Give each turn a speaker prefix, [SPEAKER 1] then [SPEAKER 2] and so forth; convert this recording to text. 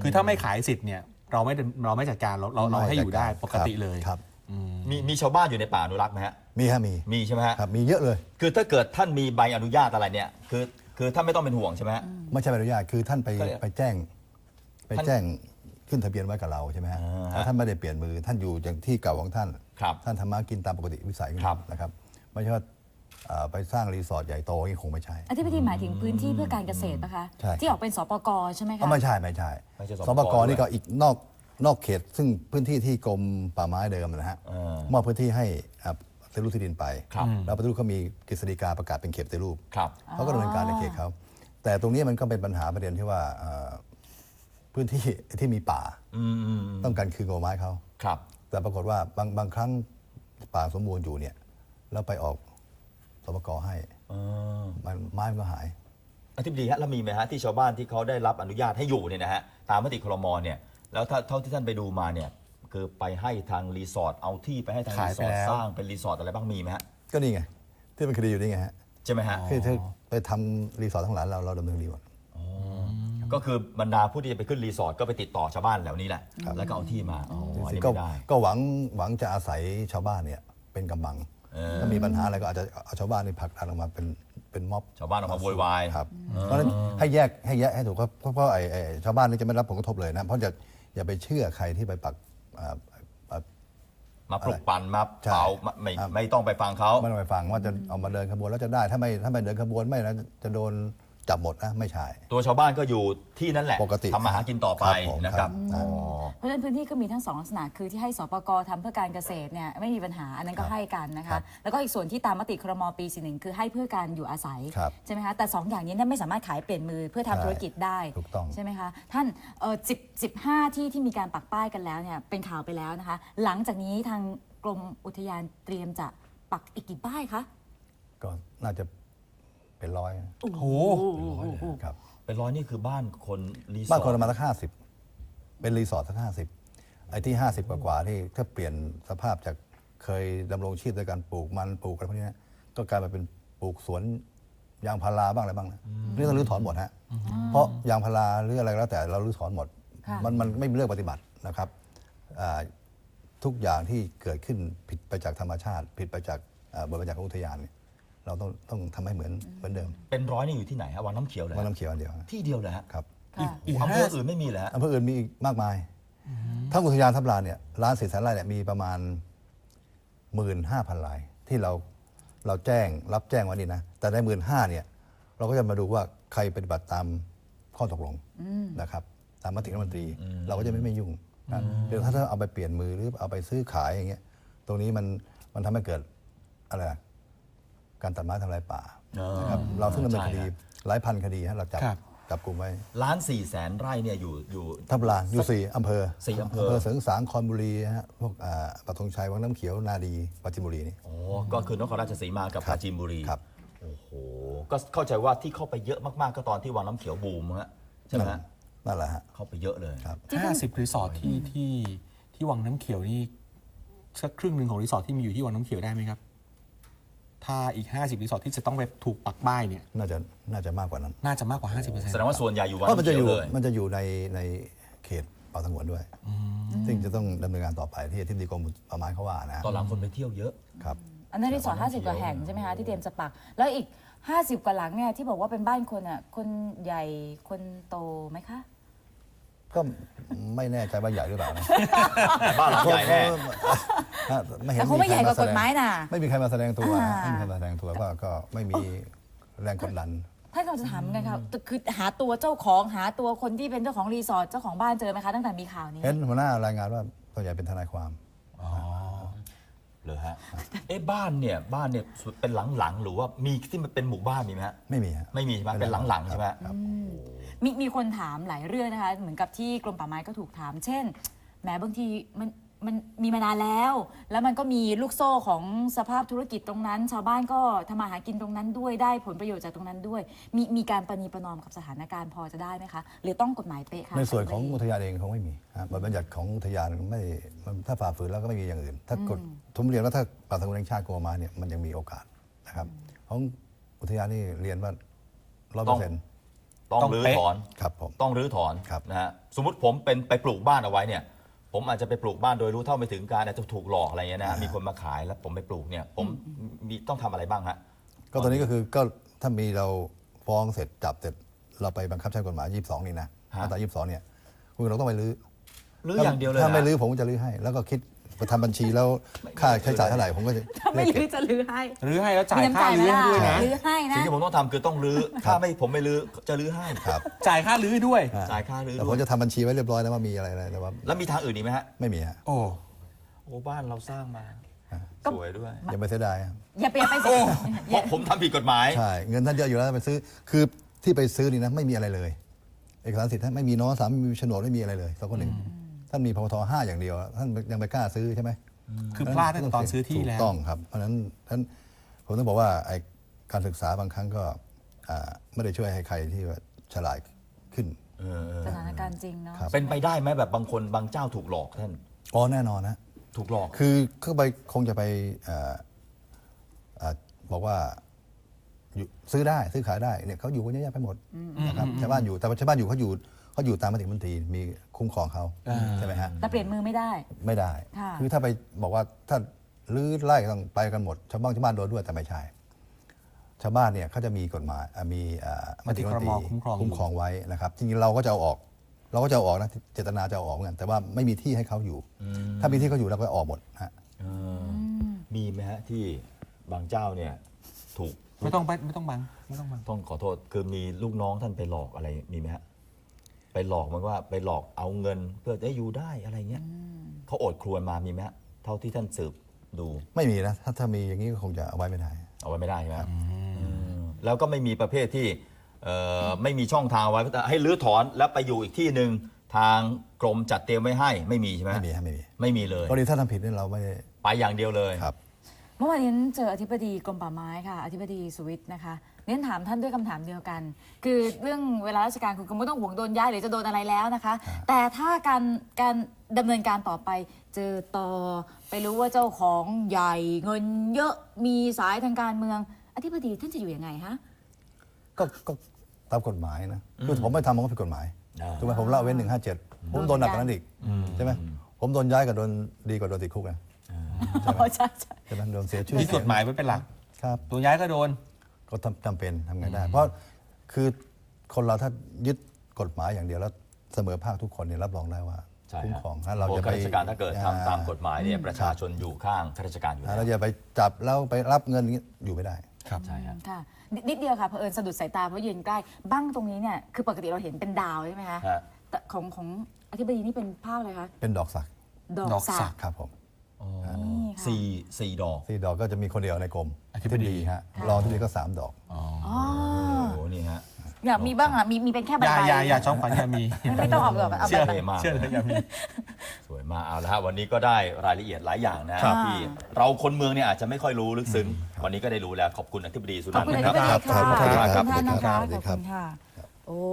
[SPEAKER 1] คือถ้าไม่ขายสิทธิ์เนี่ยเราไม่จัดการเราให้อยู่ได้ปกติเลย
[SPEAKER 2] ครับ
[SPEAKER 3] มีชาวบ้านอยู่ในป่าอนุรักษ์ไหมฮะ
[SPEAKER 2] มีฮะ
[SPEAKER 3] มีใช่ไหมฮะ
[SPEAKER 2] ครับมีเยอะเลย
[SPEAKER 3] คือถ้าเกิดท่านมีใบอนุญาตอะไรเนี่ยคือท่านไม่ต้องเป็นห่วงใช่ไหมฮะ
[SPEAKER 2] ไม่ใช่ใบอนุญาตคือท่านไปแจ้งขึ้นทะเบียนไว้กับเราใช่ไหมฮะถ้าท่านไม่ได้เปลี่ยนมือท่านอยู่อย่างที่เก่าของท่านท่านทำมากินตามปกติวิสัยนะครับไม่ใช่ว่าไปสร้างรีสอร์ทใหญ่โตนี่คงไม่ใช่
[SPEAKER 4] อธิบดีหมายถึงพื้นที่เพื่อการเกษตรนะคะที่ออกเป็นสปก.ใช่ไหมคะ
[SPEAKER 2] ไม่ใช่สปก.นี่ก็อีกนอกเขตซึ่งพื้นที่ที่กรมป่าไม้เดิมนะฮะมอบพื้นที่ให้ปฏิรูปที่ดินไปแล้วปฏิรูปเขามีกฤษฎีกาประกาศเป็นเขตปฏิรูปเขาก็ดำเนินการในเขตเขาแต่ตรงนี้มันก็เป็นปัญหาประเด็นที่ว่าพื้นที่ที่มีป่าต้องการคืนกรมไม้เขาแต่ปรากฏว่าบางครั้งป่าสมบูรณ์อยู่เนี่ยแล้วไปออกสปก.ให้ไม้มันก็หาย
[SPEAKER 3] อธิบดีฮะแล้วมีไหมฮะที่ชาวบ้านที่เขาได้รับอนุญาตให้อยู่เนี่ยนะฮะตามมติครม.เนี่ยแล้วเท่าที่ท่านไปดูมาเนี่ยคือไปให้ทางรีสอร์ทเอาที่ไปให้ทางรีสอร์ทสร้างเป็นรีสอร์ทอะไรบ้างมีไหมฮะ
[SPEAKER 2] ก็นี่ไงที่เป็นคดีอยู่นี่ไงฮะ
[SPEAKER 3] ใช่ไหมฮะ
[SPEAKER 2] คือไปทำรีสอร์ททั้งหลายเราดำเนินคดีหมด
[SPEAKER 3] ก็คือบรรดาผู้ที่จะไปขึ้นรีสอร์ทก็ไปติดต่อชาวบ้านเหล่านี้แหละแล้วก็เอาที่มา
[SPEAKER 2] ก็หวังจะอาศัยชาวบ้านเนี่ยเป็นกำบังถ้ามีปัญหาอะไรก็อาจจะเอาชาวบ้านนี่ผลักดันออกมาเป็นม็อบ
[SPEAKER 3] ชาวบ้านออกมาโวยวาย
[SPEAKER 2] ครับเพราะฉะนั้นให้แยกให้ถูกเพราะไอ้ชาวบ้านนี่จะไม่รับผลกระทบเลยนะเพราะอย่าไปเชื่อใครที่ไปปัก
[SPEAKER 3] มาปลุกปั่นมาเผาไม่ต้องไปฟังเขา
[SPEAKER 2] ไม่ต้องไปฟังว่าจะเอามาเดินขบวนแล้วจะได้ถ้าไม่เดินขบวนไม่นะจะโดนจับหมดนะไม่ใช่
[SPEAKER 3] ตัวชาวบ้านก็อยู่ที่นั่นแหละ
[SPEAKER 2] ปกติ
[SPEAKER 3] ทำมาหากินต่อไปนะครับ
[SPEAKER 4] เพราะฉะนั้นพื้นที่ก็มีทั้ง2ลักษณะคือที่ให้สปก.ทำเพื่อการเกษตรเนี่ยไม่มีปัญหาอันนั้นก็ให้กันนะคะแล้วก็อีกส่วนที่ตามมติครม.ปี41คือให้เพื่อการอยู่อาศัยใช่ไหมคะแต่2อย่างนี้ไม่สามารถขายเปลี่ยนมือเพื่อทำธุรกิจได้ใช่ไหมคะท่าน15ที่มีการปักป้ายกันแล้วเนี่ยเป็นข่าวไปแล้วนะคะหลังจากนี้ทางกรมอุทยานเตรียมจะปักอีกกี่ป้ายคะ
[SPEAKER 2] ก็น่าจะเป็นร้อย
[SPEAKER 1] โอ้โห
[SPEAKER 2] ครับ
[SPEAKER 3] เป็นร้อยนี่คือบ้านคนรีสอร์ท
[SPEAKER 2] บ้านคนประมาณสัก50เป็นรีสอร์ทสัก50ไอ้ที่50กว่าที่ถ้าเปลี่ยนสภาพจากเคยดำรงชีพด้วยการปลูกมันปลูกอะไรพวกนี้ก็กลายมาเป็นปลูกสวนยางพาราบ้างอะไรบ้างนะนี่ต้องรื้อถอนหมดฮะเพราะยางพาราหรืออะไรก็แล้วแต่เรารื้อถอนหมดมันไม่มีเรื่องปฏิบัตินะครับทุกอย่างที่เกิดขึ้นผิดไปจากธรรมชาติผิดไปจากบทบัญญัติของอุทยานเราต้องทำให้เหมือนเดิม
[SPEAKER 3] เป็นร้อยนี่อยู่ที่ไหนฮะวังน้ำเขียวเลย
[SPEAKER 2] วังน้ำเขียวอันเดียว
[SPEAKER 3] ที่เดียวเลยฮะ
[SPEAKER 2] ครับ
[SPEAKER 3] อำเภออื่นไม่มีเลยฮะ
[SPEAKER 2] อำเภออื่นมีมากมายทั้งอุทยานทับลานเนี่ย1,400,000 ไร่เนี่ยมีประมาณ 15,000 ไร่ที่เรารับแจ้งไว้นี่นะแต่ใน 15,000 เนี่ยเราก็จะมาดูว่าใครปฏิบัติตามข้อตกลงนะครับตามมติรัฐมนตรีเราก็จะไม่ยุ่งเดี๋ยวถ้าเอาไปเปลี่ยนมือหรือเอาไปซื้อขายอย่างเงี้ยตรงนี้มันทำให้เกิดอะไรการตัดไม้ทำลายป่านะครับเราซึ่งดำเนินคดีหลายพันคดีเราจับกลุ่มไว้
[SPEAKER 3] 1,400,000 ไร่เนี่ยอยู่
[SPEAKER 2] ทับลานอยู่4 อำเภอ
[SPEAKER 3] 4 อำเภอ
[SPEAKER 2] เสริงสางคอนบุรีฮะพวกปักธงชัยวังน้ำเขียวนาดีปราจีนบุรีนี่
[SPEAKER 3] ก็คือนครราชสีมากับปราจีนบุรีครับโอ้โหก็เข้าใจว่าที่เข้าไปเยอะมากๆก็ตอนที่วังน้ำเขียวบูมฮะใช่ไหม
[SPEAKER 2] นั่นแหละฮะ
[SPEAKER 3] เข้าไปเยอะเลย
[SPEAKER 1] 50 รีสอร์ทที่วังน้ำเขียวนี่สักครึ่งหนึ่งของรีสอร์ทที่มีอยู่ที่วังน้ำเขียวได้ไหมครับถ้าอีก50 รีสอร์ทที่จะต้องไปถูกปักป้ายเนี่ย
[SPEAKER 2] น่าจะมากกว่านั้น
[SPEAKER 1] น่าจะมากกว่า 50%
[SPEAKER 3] แสดงว่าส่วนใหญ่อยู่วัง
[SPEAKER 2] น้ำ
[SPEAKER 3] เขียวเลย
[SPEAKER 2] มันจะอยู่ในเขตป่าสงวนด้วยซึ่งจะต้องดำเนินการต่อไปที่ที่ดีกรมป่าไม้เขาว่านะ
[SPEAKER 3] ตอนหลังคนไปเที่ยวเยอะ
[SPEAKER 2] ครับ
[SPEAKER 4] อันนั้นรีสอร์ท50 กว่าแห่งใช่ไหมคะที่เตรียมจะปักแล้วอีก50 กว่าหลังเนี่ยที่บอกว่าเป็นบ้านคนอ่ะคนใหญ่คนโตไหมคะ
[SPEAKER 2] ก็ไม่แน่ใจว่าใหญ่หรือเปล่านะ
[SPEAKER 3] บ้านหลังใหญ่แน่
[SPEAKER 4] แต่เขาไม่ใหญ่กว่ากฎหมายนะ
[SPEAKER 2] ไม่มีใครมาแสดงตัวไม่มีใครมาแสดงตัวก็ไม่มีแรงกดดัน
[SPEAKER 4] ท่านกำลังจะถามไงครับคือหาตัวเจ้าของหาตัวคนที่เป็นเจ้าของรีสอร์ทเจ้าของบ้านเจอไหมคะตั้งแต่มีข่าวนี้
[SPEAKER 2] เห็นหัวหน้ารายงานว่าส่วนใหญ่เป็นทนายความ
[SPEAKER 3] เลยฮะบ้านเนี่ยเป็นหลังๆหรือว่ามีที่มันเป็นหมู่บ้านมีไหมฮะ
[SPEAKER 2] ไม่มี
[SPEAKER 3] ไม่มีใช่ไหมเป็นหลังๆใช่ไหม
[SPEAKER 4] มีคนถามหลายเรื่องนะคะเหมือนกับที่กรมป่าไม้ก็ถูกถามเช่นแม้บางทีมันมีมานานแล้วมันก็มีลูกโซ่ของสภาพธุรกิจตรงนั้นชาวบ้านก็ทำมาหากินตรงนั้นด้วยได้ผลประโยชน์จากตรงนั้นด้วยมีการประนีประนอมกับสถานการณ์พอจะได้ไหมคะหรือต้องกฎหมายเป๊ะคะ
[SPEAKER 2] ในส่วนของอุทยานเองคงไม่มีบทบัญญัติของอุทยานไม่ถ้าฝ่าฝืนแล้วก็ไม่มีอย่างอื่นถ้ากฎทุมเรียนว่าถ้าป่าสงวนแห่งชาติโกมาเนี่ยมันยังมีโอกาสนะครับของอุทยานนี่เรียนว่า100%
[SPEAKER 3] ตต้องรื้อถอน
[SPEAKER 2] ครับผม
[SPEAKER 3] ต้องรื้อถอน
[SPEAKER 2] ครับ
[SPEAKER 3] นะฮะสมมติผมเป็นไปปลูกบ้านเอาไว้เนี่ยผมอาจจะไปปลูกบ้านโดยรู้เท่าไม่ถึงการอาจจะถูกหลอกอะไรเงี้ยนะฮะมีคนมาขายแล้วผมไปปลูกเนี่ยผมมีต้องทำอะไรบ้างฮะ
[SPEAKER 2] ก็ตอนนี้ก็คือก็ถ้ามีเราฟ้องเสร็จจับเสร็จเราไปบังคับใช้กฎหมาย 22 นี่นะ
[SPEAKER 3] ฮะ
[SPEAKER 2] มาตรา 22 เนี่ยคุณเราต้องไปรื้อ
[SPEAKER 3] รื้ออย่างเดียวเลย
[SPEAKER 2] ถ้าไม่
[SPEAKER 3] นะ
[SPEAKER 2] รื้อผมก็จะรื้อให้ แล้วก็คิดไปทำบัญชีแล้วค่าใช้จ่ายเท่าไหร่ผมก็จะ
[SPEAKER 4] ถ้าไม่รื้อจะรื้อให้
[SPEAKER 1] รื้อให้แล้วจ่าย
[SPEAKER 4] มีน้ำ
[SPEAKER 1] ค่า
[SPEAKER 4] ใจไหม
[SPEAKER 1] รื้อ
[SPEAKER 4] ล่ะ
[SPEAKER 1] ให้ด้วยนะ
[SPEAKER 4] รื้อให้นะ
[SPEAKER 3] สิ่งที่ผมต้องทำคือต้องรื้อถ้าไม่ผมไม่รื้อจะรื้อให้
[SPEAKER 2] ครับ
[SPEAKER 1] จ่ายค่ารื้อด้วย
[SPEAKER 3] จ่ายค่ารื้อ
[SPEAKER 2] แต่
[SPEAKER 3] ด้
[SPEAKER 2] ผ
[SPEAKER 3] ว
[SPEAKER 2] ม
[SPEAKER 3] ย
[SPEAKER 2] จะทำบัญชีไว้เรียบร้อยแล้วว่ามีอะไรแต่ว่า
[SPEAKER 3] แล้วมีทางอื่นอีกไหมฮะ
[SPEAKER 2] ไม่มีฮะ
[SPEAKER 1] โอ้
[SPEAKER 3] โอ้บ้านเราสร้างมา
[SPEAKER 4] ก็
[SPEAKER 3] สวยด้วย
[SPEAKER 2] อย่าไปเสียดายครับ
[SPEAKER 4] อย่าไปสิ
[SPEAKER 3] เพราะผมทำผิดกฎหมาย
[SPEAKER 2] ใช่เงินท่านเยอะอยู่แล้วไปซื้อคือที่ไปซื้อนี่นะไม่มีอะไรเลย เอกสารสิทธิ์ท่านไม่มีน้องสามไม่มีโฉนดไม่มีอะไรเลยสักคนหนึ่งท่านมีพท5อย่างเดียวท่านยังไปกล้าซื้อใช่ไหม
[SPEAKER 1] คือพลาดตั้งแต่ตอนซื้อที่แล้ว
[SPEAKER 2] ถูกต้องครับเพราะฉะนั้นท่านผมต้องบอกว่าไอ้การศึกษาบางครั้งก็ไม่ได้ช่วยให้ใครที่ว่าฉลาดขึ้น
[SPEAKER 4] สถานการณ์จริงเนาะ
[SPEAKER 2] ครับ
[SPEAKER 3] เป็นไปได้ไหมแบบบางคนบางเจ้าถูกหลอกท่าน
[SPEAKER 2] อ๋อแน่นอนนะ
[SPEAKER 3] ถูกหลอก
[SPEAKER 2] คือเข้าไปคงจะไปบอกว่าอยู่ซื้อได้ซื้อขายได้เนี่ยเขาอยู่กันเยอะแยะไปหมดนะครับชาวบ้านอยู่แต่ว่าชาวบ้านอยู่เขาอยู่ตามมติมนตรีมีคุ้มครองเขาใช่ไหมฮะ
[SPEAKER 4] แต่เปลี่ยนมือไม่ได้
[SPEAKER 2] ไม่ได้
[SPEAKER 4] ค่ะ
[SPEAKER 2] คือถ้าไปบอกว่าถ้าลื้อไล่ต้องไปกันหมดชาวบ้านโดนด้วยแต่ไม่ใช่ ชาวบ้านเนี่ยเขาจะมีกฎหมายมีมติมนตรี
[SPEAKER 1] คุ้มครอง
[SPEAKER 2] คุ้มครองไว้นะครับจริงๆเราก็จะเอาออกนะเจตนาจะเอาออกเหมือนกันแต่ว่าไม่มีที่ให้เขาอยู่ ถ้ามีที่เขาอยู่เราก็ออกหมดฮะ
[SPEAKER 3] มีไหมฮะที่บางเจ้าเนี่ยถูก
[SPEAKER 1] ไม่ต้องบังไม่ต้องบัง
[SPEAKER 3] ต้องขอโทษคือมีลูกน้องท่านไปหลอกอะไรมีไหมฮะไปหลอกมันว่าไปหลอกเอาเงินเพื่อจะอยู่ได้อะไรเงี้ยเขาโอดครวญมามีไหมฮะเท่าที่ท่านสืบดู
[SPEAKER 2] ไม่มีนะถ้ามีอย่างนี้ก็คงจะเอาไว้ไม่ได้
[SPEAKER 3] เอาไว้ไม่ได้ใช่ไหมแล้วก็ไม่มีประเภทที่ไม่มีช่องทางไว้ให้รื้อถอนแล้วไปอยู่อีกที่หนึ่งทางกรมจัดเตรียมไว้ให้ไม่มีใช่ไหม
[SPEAKER 2] ไม่มีฮะไม่มี
[SPEAKER 3] ไม่มีเลย
[SPEAKER 2] กรณีถ้าทำผิดนี่เราไม่ได้
[SPEAKER 3] ไปอย่างเดียวเลย
[SPEAKER 2] ครับ
[SPEAKER 4] เมื่อวานนี้เจออธิบดีกรมป่าไม้ค่ะอธิบดีสุวิทย์นะคะเน้นถามท่านด้วยคำถามเดียวกัน คือเรื่องเวลาราชการคุณก็ไม่ต้องห่วงโดนย้ายหรือจะโดนอะไรแล้วนะคะ แต่ถ้าการดำเนินการต่อไปเจอต่อไปรู้ว่าเจ้าของใหญ่เงินเยอะมีสายทางการเมืองอธิบดีท่านจะอยู่ยังไงคะ
[SPEAKER 2] ก็ตามกฎหมายนะคือผมไม่ทำมันก็ผิดกฎหมาย
[SPEAKER 3] อ่า
[SPEAKER 2] ถูกไหมผมละเว้น157ผมโดนหนักกว่านั้นอีกใช่ไหมผมโดนย้ายกับโดนดีกว่าโดนติดคุกนะ
[SPEAKER 4] อ๋อใช่ใช่
[SPEAKER 2] ใช่ไหมโดนเสียชื่อ
[SPEAKER 1] มีกฎหมายไว้เป็นหลัก
[SPEAKER 2] ครับ
[SPEAKER 1] ตัวย้ายก็โดน
[SPEAKER 2] ก็จำเป็นทำไงได้ เพราะคือคนเราถ้ายึดกฎหมายอย่างเดียวแล้วเสมอภาคทุกคนเนี่ยรับรองได้ว่า
[SPEAKER 3] ใช่
[SPEAKER 2] คุ้ม
[SPEAKER 3] ฮะ
[SPEAKER 2] ครองถ้าเรา
[SPEAKER 3] พวก
[SPEAKER 2] จะ
[SPEAKER 3] ข้า
[SPEAKER 2] ไป
[SPEAKER 3] ราชการถ้าเกิดทำตามกฎหมายเนี่ยประชาชนอยู่ข้างข้าราชการอยู่
[SPEAKER 2] เรา
[SPEAKER 3] แล้ว
[SPEAKER 2] อย่าไปจับแล้วไปรับเงินอย่างนี้อยู่ไม่ได้
[SPEAKER 1] ครับ
[SPEAKER 3] ใช่ฮะ
[SPEAKER 4] ค่ะนิดเดียวค่ะเผอิญสะดุดสายตาเพราะยืนใกล้บ้างตรงนี้เนี่ยคือปกติเราเห็นเป็นดาวใช่ไหมคะ
[SPEAKER 3] ฮะ
[SPEAKER 4] แต่ของอธิบดีนี่เป็นภาพอะไรคะ
[SPEAKER 2] เป็นดอกสัก
[SPEAKER 4] ดอก
[SPEAKER 1] ดอกสั
[SPEAKER 4] สั
[SPEAKER 1] ก
[SPEAKER 4] ก
[SPEAKER 2] ครับผม
[SPEAKER 4] นี่ค่ะ
[SPEAKER 3] สี่ดอก
[SPEAKER 2] 4 ดอกก็จะมีคนเดียวในกรม
[SPEAKER 1] อธิบดี
[SPEAKER 2] ฮะรองอธิบดีก็3 ดอก
[SPEAKER 4] อ๋อ
[SPEAKER 3] โอ้โหนี่ฮะ
[SPEAKER 4] อยากมีบ้างอ่ะมีเป็นแค่ใบ
[SPEAKER 1] อย่าจ้องขวัญอย่ามี
[SPEAKER 4] ไม่ต้องเอาแบบเอา
[SPEAKER 1] เชื่อ
[SPEAKER 4] แบบ
[SPEAKER 3] ท่มาก
[SPEAKER 1] เชื่อเลยอย่ามี
[SPEAKER 3] สวยมากเอาละฮะวันนี้ก็ได้รายละเอียดหลายอย่างนะที่เราคนเมืองเนี่ยอาจจะไม่ค่อยรู้ลึกซึ้งวันนี้ก็ได้รู้แล้วขอบคุณอธิบดีสุ
[SPEAKER 4] ขอบ
[SPEAKER 3] นันท์
[SPEAKER 4] คุณอ
[SPEAKER 3] นะค
[SPEAKER 4] ธิ
[SPEAKER 3] รับบ
[SPEAKER 4] ดีค่ะ
[SPEAKER 2] ขอบคุณครับ
[SPEAKER 4] ขอบคุณท่านนะคะ
[SPEAKER 2] สวัสดี
[SPEAKER 4] ขอบ
[SPEAKER 2] ครับ
[SPEAKER 4] คุณค่ะโอ้